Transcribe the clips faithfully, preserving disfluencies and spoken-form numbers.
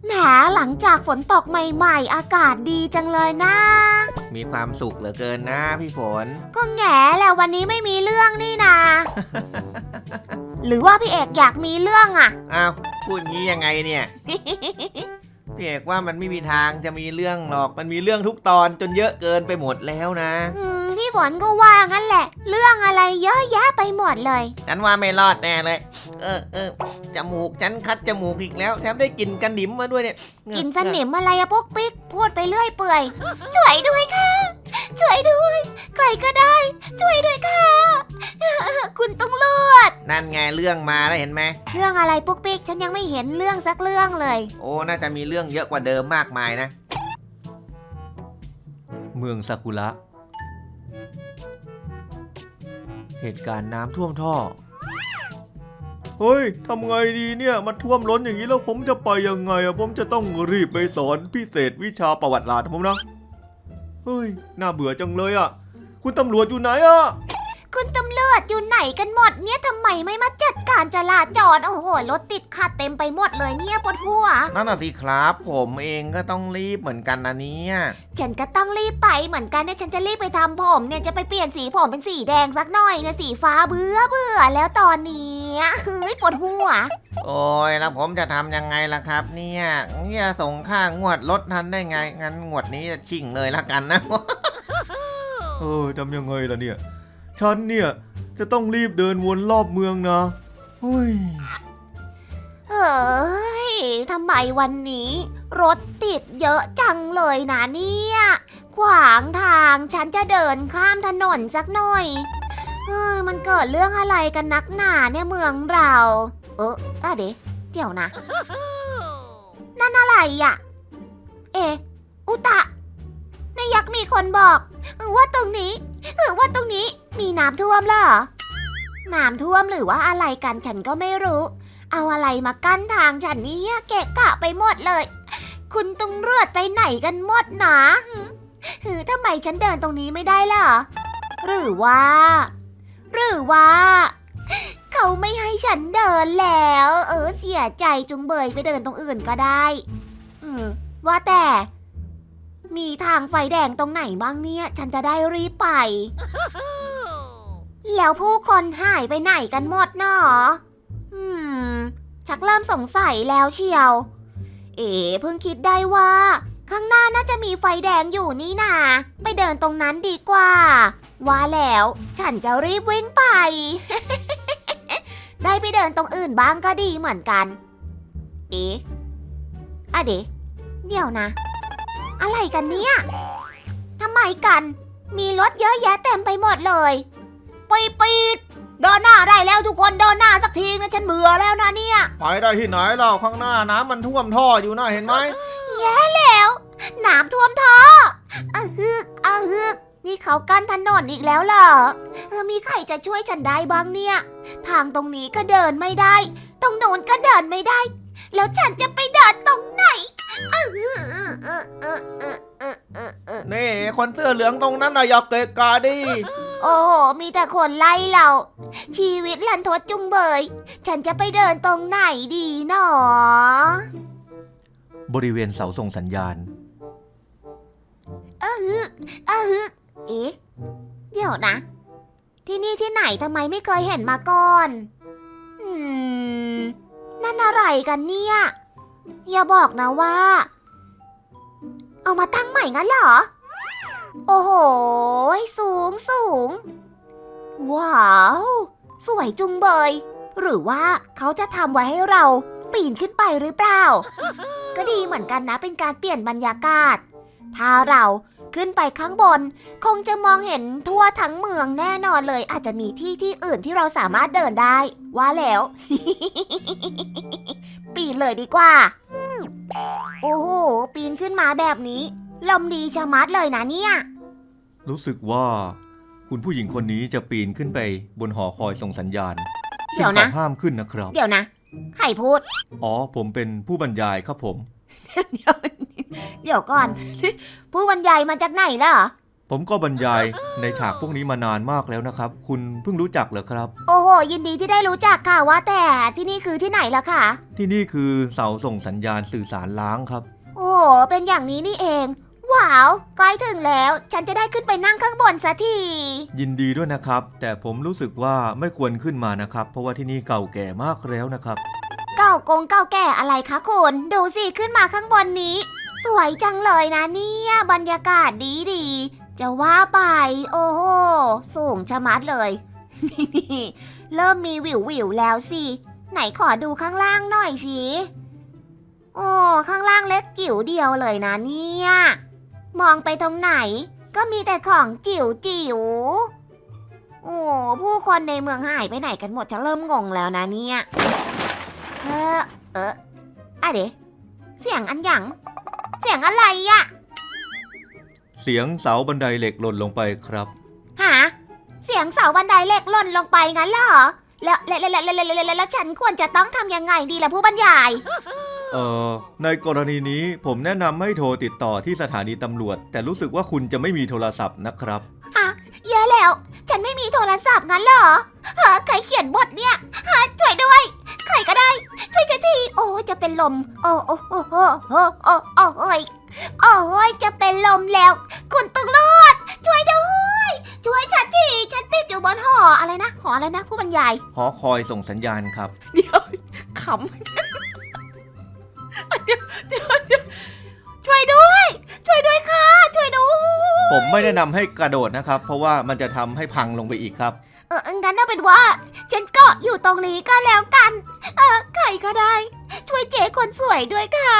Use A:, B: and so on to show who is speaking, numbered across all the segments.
A: แหมหลังจากฝนตกใหม่ๆอากาศดีจังเลยนะ
B: มีความสุขเหลือเกินนะพี่ฝน
A: ก็แง่แล้ววันนี้ไม่มีเรื่องนี่นา หรือว่าพี่เอกอยากมีเรื่องอ่ะ
B: อ้าวพูดงี้ยังไงเนี่ย พี่เอกว่ามันไม่มีทางจะมีเรื่องหรอกมันมีเรื่องทุกตอนจนเยอะเกินไปหมดแล้วนะ
A: พี่ฝนก็ว่างั้นแหละเรื่องอะไรเยอะแยะไปหมดเลย
B: ฉันว่าไม่รอดแน่เลยเออเออจมูกฉันคัดจมูกอีกแล้วแถมได้กลิ่นกันดิมมาด้วยเนี่ย
A: กลิ่นสนิมอะไรอะปุ๊กปิ๊กพูดไปเรื่อยเปื่อยช่วยด้วยค่ะช่วยด้วยใครก็ได้ช่วยด้วยค่ะคุณต้องเลือด
B: นั่นไงเรื่องมาแล้วเห็นไหม
A: เรื่องอะไรปุ๊กปิ๊กฉันยังไม่เห็นเรื่องสักเรื่องเลย
B: โอ้น่าจะมีเรื่องเยอะกว่าเดิมมากมายนะเมืองซากุระเหตุการณ์น้ำท่วมท่อเฮ้ยทำไงดีเนี่ยมันท่วมล้นอย่างนี้แล้วผมจะไปยังไงอะผมจะต้องรีบไปสอนพิเศษวิชาประวัติศาสตร์ผมนะเฮ้ยน่าเบื่อจังเลยอะคุณตำรวจอยู่ไหนอะ
A: คุณตำรวจอยู่ไหนกันหมดเนี่ยทำไมไม่มาจัดการจราจรโอ้โหรถติดขัดเต็มไปหมดเลยเนี่ยปวดหัว
B: นั่นน่ะสิครับผมเองก็ต้องรีบเหมือนกันนะเนี่ย
A: ฉันก็ต้องรีบไปเหมือนกันเนี่ยฉันจะรีบไปทำผมเนี่ยจะไปเปลี่ยนสีผมเป็นสีแดงสักหน่อยเนี่ยสีฟ้าเบื่อเบื่อแล้วตอนนี้เฮ้ยปวดหัว
B: โอ้ยแล้วผมจะทำยังไงล่ะครับเนี่ยเนี่ยส่งค่างวดรถทันได้ไงงั้นงวดนี้จะชิ่งเลยละกันนะเออทำยังไงล่ะเนี่ยฉันเนี่ยจะต้องรีบเดินวนรอบเมืองนะเฮ้ย
A: เฮ้ยทำไมวันนี้รถติดเยอะจังเลยนะเนี่ยขวางทางฉันจะเดินข้ามถนนสักหน่อยเฮ้ยมันเกิดเรื่องอะไรกันนักหนาเนี่ยเมืองเราเอออะเดี๋ยวเดี๋ยวนะนั่นอะไรอ่ะเออุตะนายยักษ์มีคนบอกว่าตรงนี้หรือว่าตรงนี้มีน้ำท่วมเหรอน้ำท่วมหรือว่าอะไรกันฉันก็ไม่รู้เอาอะไรมากั้นทางฉันนี่เกะกะไปหมดเลยคุณตุงเลือดไปไหนกันหมดนะหือทำไมฉันเดินตรงนี้ไม่ได้ล่ะหรือว่าหรือว่าเขาไม่ให้ฉันเดินแล้วเออเสียใจจุงเบยไปเดินตรงอื่นก็ได้อืมว่าแต่มีทางไฟแดงตรงไหนบ้างเนี่ยฉันจะได้รีบไปแล้วผู้คนหายไปไหนกันหมดเนาะอืมชักเริ่มสงสัยแล้วเชียวเอ๋เพิ่งคิดได้ว่าข้างหน้าน่าจะมีไฟแดงอยู่นี่นาไปเดินตรงนั้นดีกว่าว่าแล้วฉันจะรีบวิ่งไป ได้ไปเดินตรงอื่นบ้างก็ดีเหมือนกันเอ๋อะเดี๋ยวเดี๋ยวนะอะไรกันเนี่ยทำไมกันมีรถเยอะแยะเต็มไปหมดเลยปีดปีดเดินหน้าได้แล้วทุกคนเดินหน้าสักทีนะฉันเบื่อแล้วนะเนี่ย
B: ไปได้ที่ไหนเราข้างหน้าน้ำมันท่วมท่ออยู่นะเห็นไหม
A: แย่แล้วน้ำท่วมท่ออะฮึกอะฮึกนี่เขากั้นถนนอีกแล้วเหรอเออมีใครจะช่วยฉันได้บ้างเนี่ยทางตรงนี้ก็เดินไม่ได้ตรงโน้นก็เดินไม่ได้แล้วฉันจะไปเดินตรงไหน
B: นี่คนเสื้อเหลืองตรงนั้นน่ะอย่าเกะกะดิ
A: โอ้โหมีแต่คนไล่เราชีวิตลันทดจุงเบยฉันจะไปเดินตรงไหนดีหนอบ
B: ริเวณเสาส่งสัญญาณ
A: เออฮึเออฮึเอ๊ะเดี๋ยวนะที่นี่ที่ไหนทำไมไม่เคยเห็นมาก่อนอืมนั่นอะไรกันเนี่ยอย่าบอกนะว่าเอามาตั้งใหม่งั้นเหรอโอ้โหสูงสูงว้าวสวยจุงเบยหรือว่าเขาจะทำไว้ให้เราปีนขึ้นไปหรือเปล่าก็ดีเหมือนกันนะเป็นการเปลี่ยนบรรยากาศถ้าเราขึ้นไปข้างบนคงจะมองเห็นทั่วทั้งเมืองแน่นอนเลยอาจจะมีที่ที่อื่นที่เราสามารถเดินได้ว่าแล้ว ปีนเลยดีกว่าโอ้โหปีนขึ้นมาแบบนี้ลมดีชะมัดเลยนะเนี่ย
B: รู้สึกว่าคุณผู้หญิงคนนี้จะปีนขึ้นไปบนหอคอยส่งสัญญาณ
A: เดี๋ยวนะ
B: ห้ามขึ้นนะครับ
A: เดี๋ยวนะใครพูด
B: อ๋อผมเป็นผู้บรรยายครับผม
A: เดี๋ยวเดี๋ยวก่อนผู้บรรยายมาจากไหนล่ะ
B: ผมก็บรรยายในฉากพวกนี้มานานมากแล้วนะครับคุณเพิ่งรู้จักเหรอครับ
A: โอ้โหยินดีที่ได้รู้จักค่ะว่าแต่ที่นี่คือที่ไหนล่ะคะ
B: ที่นี่คือเสาส่งสัญญาณสื่อสารล้างครับ
A: โอ้โหเป็นอย่างนี้นี่เองว้าวใกล้ถึงแล้วฉันจะได้ขึ้นไปนั่งข้างบนสักที
B: ยินดีด้วยนะครับแต่ผมรู้สึกว่าไม่ควรขึ้นมานะครับเพราะว่าที่นี่เก่าแก่มากแล้วนะครับ
A: เก่ากงเก่าแก่อะไรคะคุณดูสิขึ้นมาข้างบนนี้สวยจังเลยนะเนี่ยบรรยากาศดีดีจะว่าไปโอ้โหสูงชะมัดเลย เริ่มมีวิววิวแล้วสิไหนขอดูข้างล่างหน่อยสิโอ้ข้างล่างเล็กจิ๋วเดียวเลยนะเนี่ยมองไปตรงไหนก็มีแต่ของจิ๋วจิ๋วโอ้ผู้คนในเมืองหายไปไหนกันหมดฉันเริ่มงงแล้วนะเนี่ยเออเอออะเดเสียงอันหยังเสียงอะไรอะ
B: เสียงเสาบันไดเหล็กหล่นลงไปครับ
A: ฮะเสียงเสาบันไดเหล็กหล่นลงไปงั้นเหรอแล้วแล้วแล้วแล้วแล้วแล้วฉันควรจะต้องทำยังไงดีล่ะผู้บรรยาย
B: เอ่อในกรณีนี้ผมแนะนำให้โทรติดต่อที่สถานีตำรวจแต่รู้สึกว่าคุณจะไม่มีโทรศัพท์นะครับ
A: ฮะแย่แล้วฉันไม่มีโทรศัพท์งั้นเหรอฮะใครเขียนบทเนี่ยฮะช่วยด้วยใครก็ได้ช่วยฉันทีโอ้จะเป็นลมโอ้โอ้โอ้โอ้โอ้โอ้โอ้โอ้ยโอ้ยจะเป็นลมแล้วคุณตำรวจช่วยด้วยช่วยฉันทีฉันติดอยู่บนหออะไรนะหออะไรนะผู้บรรยาย
B: หอคอยส่งสัญญาณครับ
A: เดี๋ยวขำเดี๋ยวเดี๋ยวเดี๋ยวช่วยด้วยช่วยด้วยค่ะช่วยด้วย
B: ผมไม่แนะนำให้กระโดดนะครับเพราะว่ามันจะทำให้พังลงไปอีกครับ
A: เอองั้นเอาเป็นว่าฉันเกาะอยู่ตรงนี้ก็แล้วกันเออใครก็ได้ช่วยเจ๊คนสวยด้วยค่ะ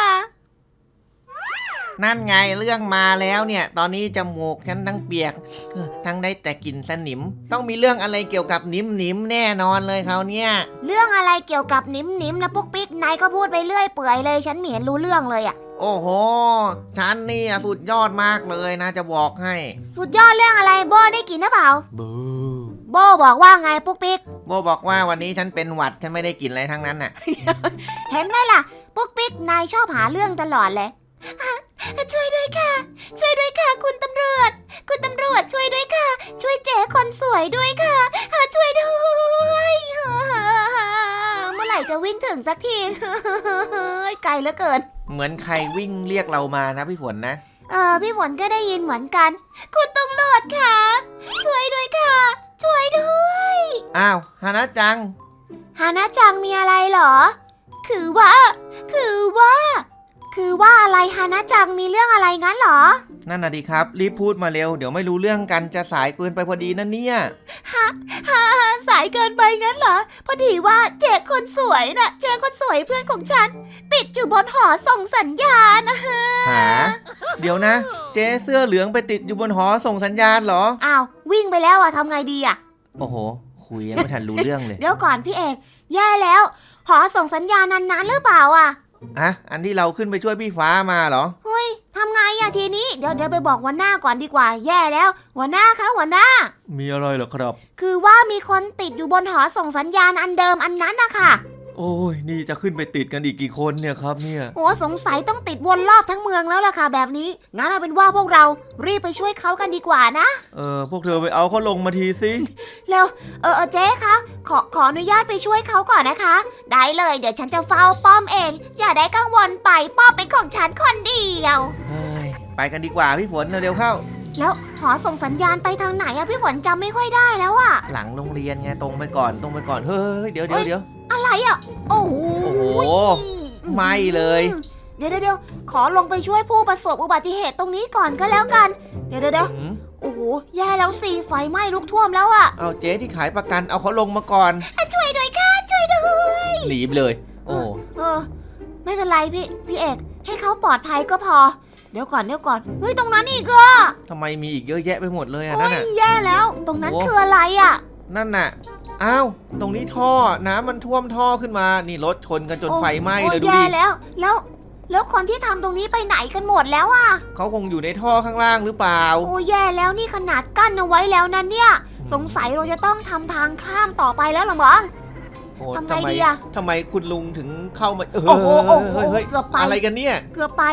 C: นั่นไงเรื่องมาแล้วเนี่ยตอนนี้จมูกฉันทั้งเปียกทั้งได้แต่กลิ่นสนิมต้องมีเรื่องอะไรเกี่ยวกับนิมนิมแน่นอนเลยเขาเนี่ย
A: เรื่องอะไรเกี่ยวกับนิมนิมนะปุ๊กปิ๊กนายก็พูดไปเรื่อยเปื่อยเลยฉันไม่เห็นรู้เรื่องเลยอะ
C: โอ้โหฉันนี่สุดยอดมากเลยนะจะบอกให้
A: สุดยอดเรื่องอะไรโบได้กินหรือเปล่า
B: โบ
A: โบบอกว่าไงปุ๊กปิ๊ก
C: โบบอกว่าวันนี้ฉันเป็นหวัดฉันไม่ได้กินอะไรทั้งนั้นน่ะ
A: เห็นไหมล่ะปุ๊กปิ๊กนายชอบหาเรื่องตลอดเลยช่วยด้วยค่ะช่วยด้วยค่ะคุณตำรวจคุณตำรวจช่วยด้วยค่ะช่วยเจ๊คนสวยด้วยค่ะช่วยด้วยเมื่อไหร่จะวิ่งถึงสักทีไกลเหลือเกิน
C: เหมือนใครวิ่งเรียกเรามานะพี่ฝนนะ
A: เออพี่ฝนก็ได้ยินเหมือนกันคุณตำรวจค่ะช่วยด้วยค่ะช่วยด้วย
C: อ้าวฮานะจัง
A: ฮานะจังมีอะไรเหรอคือว่าคือว่าคือว่าอะไรฮานะจังมีเรื่องอะไรงั้นเหรอ
C: นั่นน่ะดิครับรีบพูดมาเร็วเดี๋ยวไม่รู้เรื่องกันจะสายเกินไปพอดีนะเนี่ย
A: ฮะฮะสายเกินไปงั้นเหรอพอดีว่าเจ๊คนสวยน่ะเจ๊คนสวยเพื่อนของฉันติดอยู่บนหอส่งสัญญาณนะฮะ
C: หาเดี๋ยวนะเจ๊เสื้อเหลืองไปติดอยู่บนหอส่งสัญญาณเหรอ
A: อ้าววิ่งไปแล้วอะทำไงดีอะ
C: โอ้โหคุยยังไม่ทันรู้เรื่องเลย
A: เดี๋ยวก่อนพี่เอกแย่แล้วหอส่งสัญญาณนั้นๆหรือเปล่าอะ
C: อะอันที่เราขึ้นไปช่วยพี่ฟ้ามาเหรอ
A: เฮ้ยทำไงอะทีนี้เดี๋ยวเดี๋ยวไปบอกหัวหน้าก่อนดีกว่าแย่แล้วหัวหน้าคะหัวหน้า
B: มีอะไรเหรอครับ
A: คือว่ามีคนติดอยู่บนหอส่งสัญญาณอันเดิมอันนั้นนะคะ
B: โอ้ยนี่จะขึ้นไปติดกันอีกกี่คนเนี่ยครับเนี่ย
A: โอ้สงสัยต้องติดวนรอบทั้งเมืองแล้วล่ะค่ะแบบนี้งั้นเอาเป็นว่าพวกเรารีบไปช่วยเขากันดีกว่านะ
B: เออพวกเธอไปเอาเขาลงมาทีสิ
A: เร็วเออเออเจ๊คะขอขออนุญาตไปช่วยเขาก่อนนะคะได้เลยเดี๋ยวฉันจะเฝ้าป้อมเองอย่าได้กังวลไปป้อมเป็นของฉันคนเดียว
C: เฮ้ยไปกันดีกว่าพี่ฝนเร็วเข้า
A: แล้วหอส่งสัญญาณไปทางไหนอะพี่ฝนจำไม่ค่อยได้แล้วอะ
C: หลังโรงเรียนไงตรงไปก่อนตรงไปก่อนเฮ้ยเดี๋ยวเดี๋ยวเดี๋ยว
A: อะไรอ่ะโอ้โห
C: ไม่เลย
A: เดี๋ยวเดี๋ยวขอลงไปช่วยผู้ประสบอุบัติเหตุตรงนี้ก่อนก็แล้วกันเดี๋ยวเดี๋ยวโอ้โหแย่แล้วสิไฟไหม้ลุกท่วมแล้วอ่ะ
C: เอาเจ๊ที่ขายประกันเอาเขาลงมาก่อน
A: ช่วยด้วยค่ะช่วยด้วย
C: หนีไปเลยโอ้
A: เออไม่เป็นไรพี่พี่เอกให้เขาปลอดภัยก็พอเดี๋ยวก่อนเดี๋ยวก่อนเฮ้ยตรงนั้นอีกอ่ะ
C: ทำไมมีอีกเยอะแยะไปหมดเลยอ่ะนั่นน่ะ
A: แย่แล้วตรงนั้นคืออะไรอ่ะ
C: นั่นน่ะอ้าวตรงนี้ท่อน้ำมันท่วมท่อขึ้นมานี่รถชนกันจนไฟไหม้เลยดูดิ
A: แย่แล้วแล้วแล้วคนที่ทำตรงนี้ไปไหนกันหมดแล้วอ่ะ
C: เขาคงอยู่ในท่อข้างล่างหรือเปล่า
A: โอ้แย่แล้วนี่ขนาดกั้นเอาไว้แล้วนั่นเนี่ยสงสัยเราจะต้องทำทางข้ามต่อไปแล้วหรอมั้งทำไงดีอะ
C: ทำไมคุณลุงถึงเข้ามา
A: เออโอ้โหเกือบไป
C: อะไรกันเนี่ย
A: เกือบไป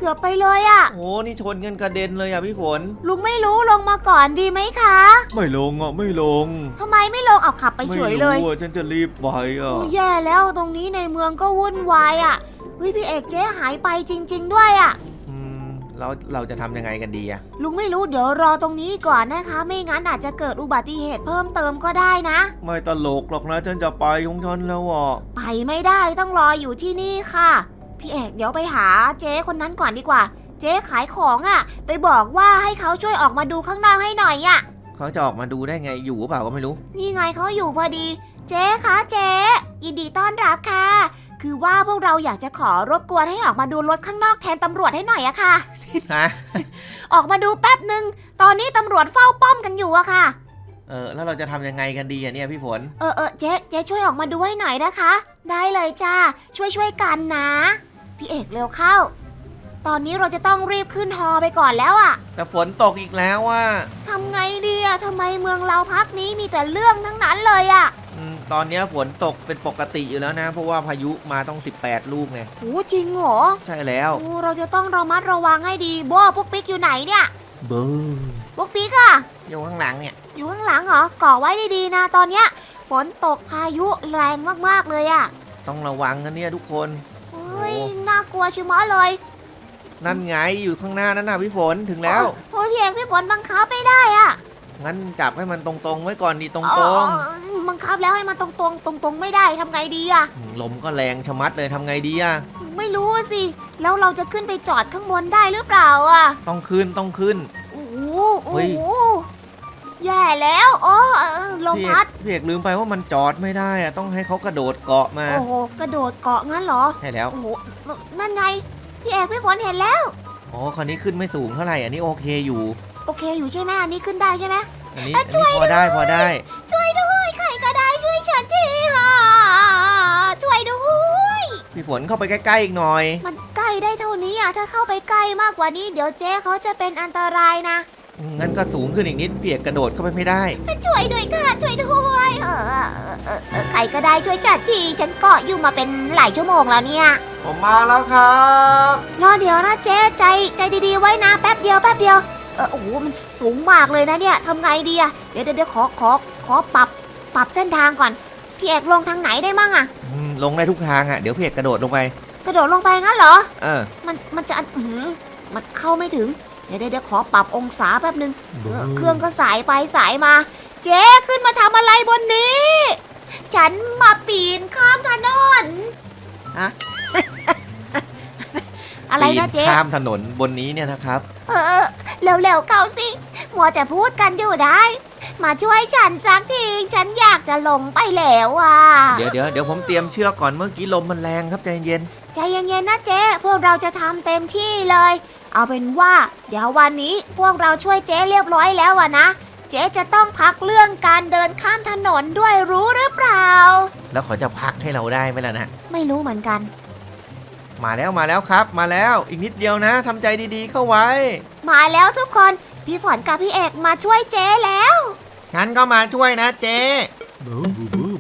A: กือบไปเลยอะ
C: โอ้นี่ชนกันกระเด็นเลยอ่ะพี่ฝน
A: ลุงไม่รู้ลงมาก่อนดีไหมคะ
B: ไม่ลงอ่ะไม่ลง
A: ทำไมไม่ลงเอาขับไปเฉยเลย
B: ไม่รู้อ่ะฉันจะรีบไปอ่ะ
A: โอ้แย่แล้วตรงนี้ในเมืองก็วุ่นวายอะเฮ้ยพี่เอกเจ๊หายไปจริง ๆ ด้วยอะ
C: อืมเราเราจะทำยังไงกันดีอ่ะ
A: ลุงไม่รู้เดี๋ยวรอตรงนี้ก่อนนะคะ ไม่งั้นอาจจะเกิดอุบัติเหตุเพิ่มเติมก็ได้นะ
B: ไม่ตลกหรอกนะฉันจะไปของฉันแล้วอ่ะ
A: ไปไม่ได้ต้องรออยู่ที่นี่ค่ะ พี่เอกเดี๋ยวไปหาเจ๊คนนั้นก่อนดีกว่า เจ๊ขายของอะ่ะ ไปบอกว่าให้เขาช่วยออกมาดูข้างนอกให้หน่อยอะ่ะ
C: เขาจะออกมาดูได้ไงอยู่หรือเปล่าก็ไม่รู้
A: นี่ไงเขาอยู่พอดี เจ๊คะเจ๊ยินดีต้อนรับค่ะ คือว่าพวกเราอยากจะขอรบกวนให้ออกมาดูรถข้างนอกแทนตำรวจให้หน่อยอะค่ะ
C: ฮะ
A: ออกมาดูแป๊บหนึ่งตอนนี้ตำรวจเฝ้าป้อมกันอยู่อะค่ะ
C: เออแล้วเราจะทำยังไงกันดีอ่ะเนี่ยพี่ฝน
A: เออเออเจ๊เจ๊ช่วยออกมาดูให้หน่อยนะคะ ได้เลยจ้าช่วยช่วยกันนะ พี่เอกเร็วเข้า ตอนนี้เราจะต้องรีบขึ้นฮอไปก่อนแล้วอะ
C: แต่ฝนตกอีกแล้วอ่ะ
A: ทำไงดีอะทำไมเมืองเราพักนี้มีแต่เรื่องทั้งนั้นเลยอะ
C: อืมตอนเนี้ยฝนตกเป็นปกติอยู่แล้วนะ เพราะว่าพายุมาต้องสิบแปดลูกไง
A: โอ้จริงเหรอ
C: ใช่แล้ว
A: โอ้เราจะต้องระมัดระวังให้ดีโบ้พวกปิ๊กอยู่ไหนเนี่ย
B: เบอร์
A: พวกปิ๊กอะ
C: อยู่ข้างหลังเนี่ย
A: อยู่ข้างหลังเหรอก่อไว้ดีๆนะตอนเนี้ยฝนตกพายุแรงมากๆเลยอะ
C: ต้องระวังกันเนี่ยทุกคน
A: เฮ้ย
C: โอ้
A: น่ากลัวชิมะเลย
C: นั่นไงอยู่ข้างหน้านั่นน่ะพี่ฝนถึงแล้ว
A: โอ้ยพี่เอกพี่ฝนบังคับไม่ได้อะ
C: งั้นจับให้มันตรงๆไว้ก่อนดีตรง
A: เออบังคับแล้วให้มันตรงๆตรงๆไม่ได้ทำไงดีอะ
C: ๆลมก็แรงชะมัดเลยทำไงดีอะ
A: ไม่รู้อะสิ แล้วเราจะขึ้นไปจอดข้างบนได้หรือเปล่าอะ
C: ต้องขึ้นต้องขึ้น
A: โอ้โห
C: เฮ้
A: โอ้
C: ย
A: โหแย่แล้วโอ้เออลม
C: พี่เอ
A: พั
C: ก
A: ด
C: พี่เอกลืมไปว่ามันจอดไม่ได้อะต้องให้เขากระโดดเกาะมา
A: โอ้โห กระโดดเกาะงั้นเหรอ
C: ใช่แล้ว
A: โอ้โห นั่นไง พี่เอกพี่ฝนเห็นแล้ว
C: อ๋อคันนี้ขึ้นไม่สูงเท่าไหร่อันนี้โอเคอยู่
A: โอเคอยู่ใช่ไหมอันนี้ขึ้นได้ใช่ไหม
C: อันนี้
A: อ่ะ
C: อัน
A: ช่
C: นี้
A: วย
C: พอได้
A: ด้วย
C: พอได้
A: ช่วยด้วยใครก็ได้ช่วยฉันทีค่ะช่วยด้วย
C: พี่ฝนเข้าไปใกล้ๆอีกหน่อย
A: มันใกล้ได้เท่านี้อ่ะ ถ้าเข้าไปใกล้มากกว่านี้ เดี๋ยวเจ๊เขาจะเป็นอันตรายนะ
C: งั้นก็สูงขึ้นอีกนิดเปียกกระโดดเข้าไปไม่ได้
A: ช่วยด้วยค่ะ ช่วยด้วย เออเออเออเออใครก็ได้ช่วยจัดที ฉันเกาะอยู่มาเป็นหลายชั่วโมงแล้วเนี่ย
C: ผมมาแล้วครับ
A: รอเดี๋ยวนะเจ๊ใจใจดีๆไว้นะแป๊บเดียวแป๊บเดียว เออโอ้โหมันสูงมากเลยนะเนี่ยทำไงดีอะเดี๋ยวเดี๋ยวเดี๋ยวขอขอขอปรับปรับเส้นทางก่อน พี่เอกลงทางไหนได้มั่งอะ
C: อืมลงได้ทุกทางอ่ะเดี๋ยวเปียกกระโดดลงไป
A: กระโดดลงไปงั้นเหรอ
C: เออ
A: มันมันจะอื้อหือมันเข้าไม่ถึง เดี๋ยวเดี๋ยวเดี๋ยวขอปรับองศาแป๊บนึง
B: เบ
A: เอ
B: อ
A: อ
B: ร์
A: เครื่องก็สายไปสายมา เจ๊ขึ้นมาทำอะไรบนนี้ ฉันมาปีนข้ามถนนฮะ อะไรนะเจ๊
C: ปีข้ามถนนบนนี้เนี่ยนะครับ
A: เออเร็วๆเข้าสิมัวแต่พูดกันอยู่ได้ มาช่วยฉันสักทีฉันอยากจะลงไปแล้วอ่ะ
C: เดี๋ยวเดี๋ยวเดี๋ยวผมเตรียมเชือกก่อนเมื่อกี้ลมมันแรงครับใจเย็น
A: ใจเย็นๆนะเจ๊พวกเราจะทำเต็มที่เลย เอาเป็นว่า เดี๋ยววันนี้พวกเราช่วยเจ๊เรียบร้อยแล้วอะนะ เจ๊จะต้องพักเรื่องการเดินข้ามถนนด้วยรู้หรือเปล่า
C: แล้วเขาจะพักให้เราได้ไหมล่ะนะ
A: ไม่รู้เหมือนกัน
C: มาแล้วมาแล้วครับ มาแล้วอีกนิดเดียวนะทำใจดีๆเข้าไว้
A: มาแล้วทุกคนพี่ฝนกับพี่เอกมาช่วยเจ๊แล้ว
C: ฉันก็มาช่วยนะเจ๊
B: เบอร์เบอร์